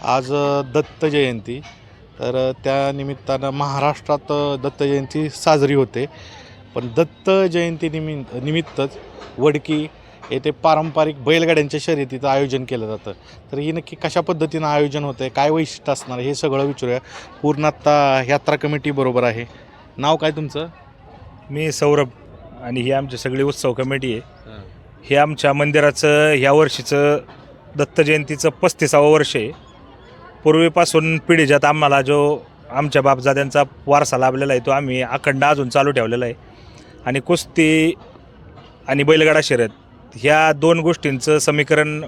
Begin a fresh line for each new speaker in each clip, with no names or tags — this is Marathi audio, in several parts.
आज दत्त जयंती. तर त्या निमित्तानं महाराष्ट्रात दत्त जयंती साजरी होते. पण दत्त जयंती निमित्तच वडकी येथे पारंपरिक बैलगाड्यांच्या शर्यतीचं आयोजन केलं जातं. तर ही नक्की कशा पद्धतीनं आयोजन होतं आहे, काय वैशिष्ट्य असणार हे सगळं विचारूया. पूर्ण आत्ता यात्रा कमिटी बरोबर आहे. नाव काय तुमचं?
मी सौरभ आणि ही आमची सगळी उत्सव कमिटी आहे. हे आमच्या मंदिराचं ह्या वर्षीचं दत्त जयंतीचं 35वं वर्ष आहे. पूर्वीपासून पिढीजात आम्हाला जो आमच्या बापजाद्यांचा वारसा लाभलेला आहे तो आम्ही अखंड अजून चालू ठेवलेला आहे. आणि कुस्ती आणि बैलगाडा शर्यत ह्या दोन गोष्टींचं समीकरण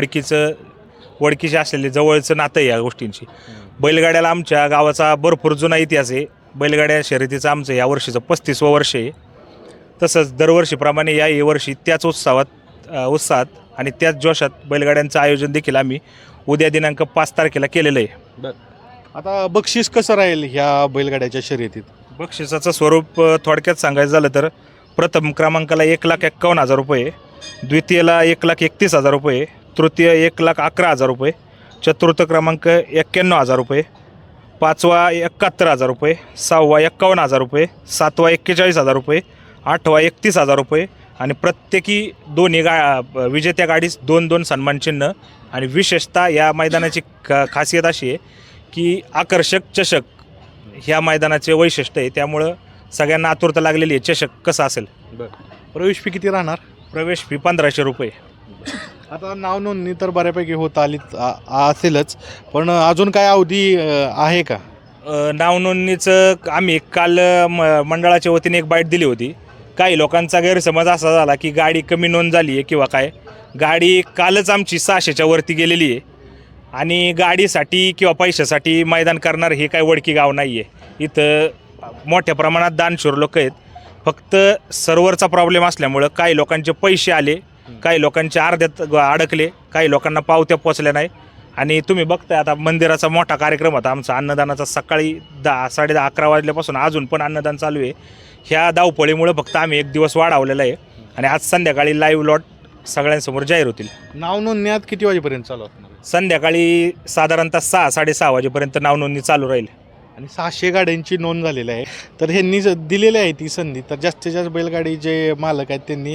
वडकीचे असलेले जवळचं नातं आहे या गोष्टींची. बैलगाड्याला आमच्या गावाचा भरपूर जुना इतिहास आहे. बैलगाड्या शर्यतीचं आमचं या वर्षीचं 35वं वर्ष आहे. तसंच दरवर्षीप्रमाणे याही वर्षी त्याच उत्साहात आणि त्याच जोशात बैलगाड्यांचं आयोजन देखील आम्ही उद्या दिनांक 5 तारखेला केलेलं आहे.
आता बक्षीस कसं राहील ह्या बैलगाड्याच्या शर्यतीत?
बक्षिसाचं स्वरूप थोडक्यात सांगायचं झालं तर प्रथम क्रमांकाला 1,51,000 रुपये, द्वितीयला 1,31,000 रुपये, तृतीय 1,11,000 रुपये, चतुर्थ क्रमांक 91,000 रुपये, पाचवा 71,000 रुपये, सहावा 51,000 रुपये, सातवा 41,000 रुपये, आठवा 31,000 रुपये आणि प्रत्येकी दोन्ही विजेत्या गाडीस 2-2 सन्मानचिन्ह. आणि विशेषतः या मैदानाची खासियत अशी आहे की आकर्षक चषक ह्या मैदानाचे वैशिष्ट्य आहे. त्यामुळं सगळ्यांना आतुरता लागलेली आहे चषक कसा असेल.
प्रवेश फी किती राहणार?
प्रवेश फी 1,500 रुपये.
आता नाव नोंदणी तर बऱ्यापैकी होत आली असेलच, पण अजून काय अवधी आहे का?
नाव नोंदणीचं आम्ही काल मंडळाच्या वतीने एक बाईट दिली होती. काही लोकांचा गैरसमज असा झाला की गाडी कमी नोंद झाली आहे किंवा काय. गाडी कालच आमची 600च्या वरती गेलेली आहे आणि गाडीसाठी किंवा पैशासाठी मैदान करणार हे काय वडकी गाव नाही आहे. इथं मोठ्या प्रमाणात दानशूर लोक आहेत. फक्त सर्व्हरचा प्रॉब्लेम असल्यामुळं काही लोकांचे पैसे आले, काही लोकांचे अर्ध्यात अडकले, काही लोकांना पावत्या पोचल्या नाही. आणि तुम्ही बघताय आता मंदिराचा मोठा कार्यक्रम होता आमचा अन्नदानाचा. सकाळी 10-10:30-11 वाजल्यापासून अजून पण अन्नदान चालू आहे. ह्या धावपळीमुळे फक्त आम्ही एक दिवस वाढवलेला आहे आणि आज संध्याकाळी लाईव्ह लॉट सगळ्यांसमोर जाहीर होतील.
नाव नोंदणी आज किती वाजेपर्यंत चालू असणार?
संध्याकाळी साधारणतः 6-6:30 वाजेपर्यंत नाव नोंदणी चालू राहील.
आणि 600 गाड्यांची नोंद झालेली आहे. तर ह्यांनी दिलेली आहे ती संधी. तर जास्तीत जास्त बैलगाडी जे मालक आहेत त्यांनी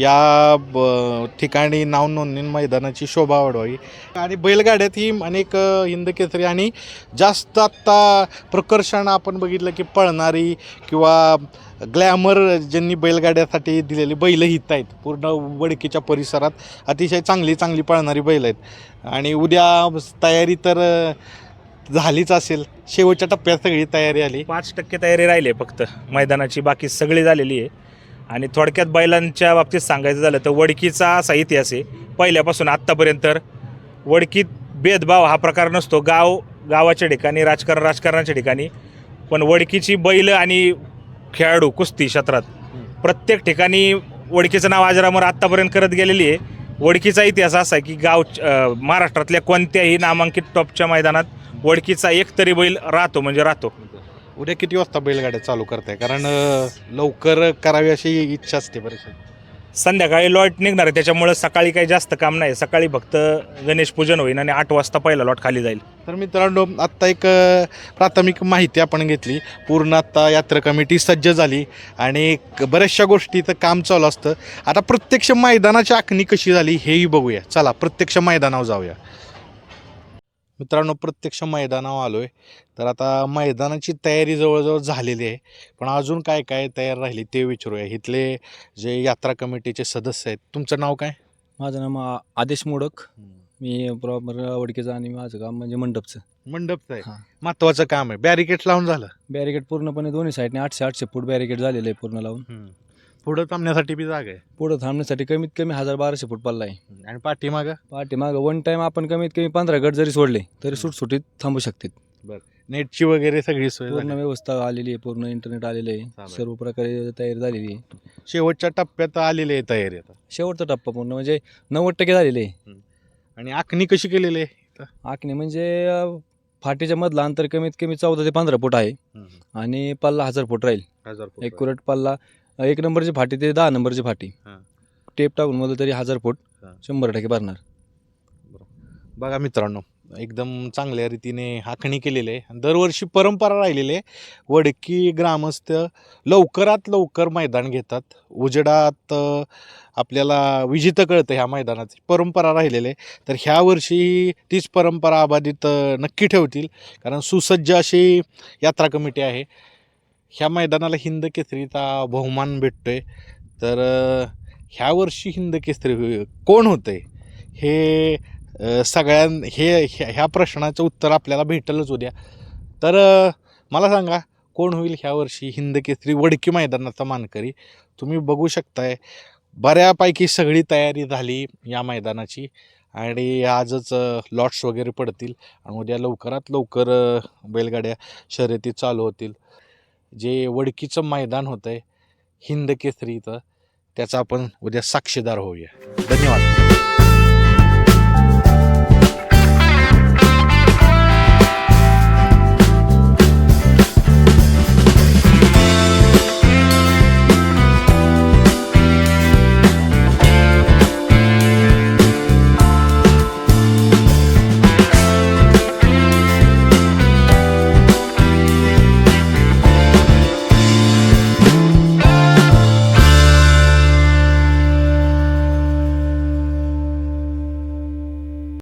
या ठिकाणी नाव नोंदणी मैदानाची शोभा वाढवावी. आणि बैलगाड्यात ही अनेक हिंद केसरी आणि जास्त आत्ता प्रकर्षण आपण बघितलं की पळणारी किंवा ग्लॅमर ज्यांनी बैलगाड्यासाठी दिलेली बैल हित आहेत. पूर्ण वडकीच्या परिसरात अतिशय चांगली पळणारी बैल आहेत. आणि उद्या तयारी तर झालीच असेल, शेवटच्या टप्प्यात सगळी तयारी आली.
5% तयारी राहिली आहे फक्त मैदानाची, बाकी सगळी झालेली आहे. आणि थोडक्यात बैलांच्या बाबतीत सांगायचं झालं तर वडकीचा असा इतिहास आहे पहिल्यापासून आत्तापर्यंत. वडकीत भेदभाव हा प्रकार नसतो. गावाच्या ठिकाणी राजकारणाच्या ठिकाणी, पण वडकीची बैल आणि खेळाडू कुस्ती क्षेत्रात प्रत्येक ठिकाणी वडकीचं नाव अजरामर आत्तापर्यंत करत गेलेली आहे. वडकीचा इतिहास असा आहे की महाराष्ट्रातल्या कोणत्याही नामांकित टॉपच्या मैदानात वडकीचा एक तरी बैल राहतो म्हणजे राहतो.
उद्या किती वाजता बैलगाड्या चालू करताय? कारण लवकर करावी अशी इच्छा असते बरेचसे.
संध्याकाळी लॉट निघणार आहे, त्याच्यामुळे सकाळी काही जास्त काम नाही. सकाळी फक्त गणेश पूजन होईल आणि 8 वाजता पहिला लॉट खाली जाईल.
तर मित्रांनो, आत्ता एक प्राथमिक माहिती आपण घेतली. पूर्ण आत्ता यात्रा कमिटी सज्ज झाली आणि बऱ्याचशा गोष्टीचं काम चालू असतं. आता प्रत्यक्ष मैदानाची आखणी कशी झाली हेही बघूया. चला प्रत्यक्ष मैदानावर जाऊया. मित्रांनो, प्रत्यक्ष मैदानावर आलो आहे. तर आता मैदानाची तयारी जवळजवळ झालेली आहे, पण अजून काय काय तयार राहिली ते विचारूया. इथले जे यात्रा कमिटीचे सदस्य आहेत. तुमचं नाव काय?
माझं नाव आदेश मोडक. मी प्रॉपर वडकीचा आणि माझं काम म्हणजे मंडपचं.
मंडपचं आहे.
हां.
महत्त्वाचं काम आहे. बॅरिकेड लावून झालं?
बॅरिकेड पूर्णपणे दोन्ही साईडने 800 फूट बॅरिकेड झालेलं आहे पूर्ण लावून.
पुढं थांबण्यासाठी बी जागा आहे
पुढं थांबण्यासाठी कमीत कमी 1,000-1,200 फूट पल्ला आहे.
आणि पाठीमागं
पाठीमागं वन टाईम आपण कमीत कमी 15 गट जरी सोडले तरी सुटसुटीत थांबू शकतात.
नेटची वगैरे सगळी सोय
पूर्ण
झाली.
व्यवस्था आलेली आहे, पूर्ण इंटरनेट आलेलं आहे,
चालेल.
सर्व प्रकारे तयारी झालेली आहे.
शेवटच्या टप्प्यात आलेली आहे तयारी आता.
शेवटचा टप्पा पूर्ण म्हणजे 90% झालेले आहे.
आणि आखणी कशी केलेली आहे?
आखणी म्हणजे फाटीच्या मधला अंतर कमीत कमी 14 ते 15 फूट आहे आणि पल्ला 1000 फूट राहील.
1000 फूट.
ॲक्युरेट पल्ला 1 नंबरची फाटी ते 10 नंबरची फाटी.
हां.
टेप टाकून मला तरी 1000 फूट
हां.
100% भरणार.
बघा मित्रांनो, एकदम चांगल्या रीतीने आखणी केलेली आहे. दरवर्षी परंपरा राहिलेली आहे. वडकी ग्रामस्थ लवकरात लवकर मैदान घेतात. उजेडात आपल्याला विजेतं कळतं ह्या मैदानाची परंपरा राहिलेली आहे. तर ह्या वर्षी तीच परंपरा अबाधित नक्की ठेवतील, कारण सुसज्ज अशी यात्रा कमिटी आहे. ह्या मैदानाला हिंद केसरीचा बहुमान भेटतोय. तर ह्या वर्षी हिंद केसरी कोण होतंय हे ह्या प्रश्नाचं उत्तर आपल्याला भेटेलच उद्या. तर मला सांगा, कोण होईल ह्या वर्षी हिंद केसरी वडकी मैदानाचा मानकरी? तुम्ही बघू शकताय बऱ्यापैकी सगळी तयारी झाली या मैदानाची आणि आजच लॉट्स वगैरे पडतील आणि उद्या लवकरात लवकर बैलगाड्या शर्यती चालू होतील. जे वडकीचं मैदान होतं आहे हिंद केसरीचं, त्याचा आपण उद्या साक्षीदार होऊया. धन्यवाद.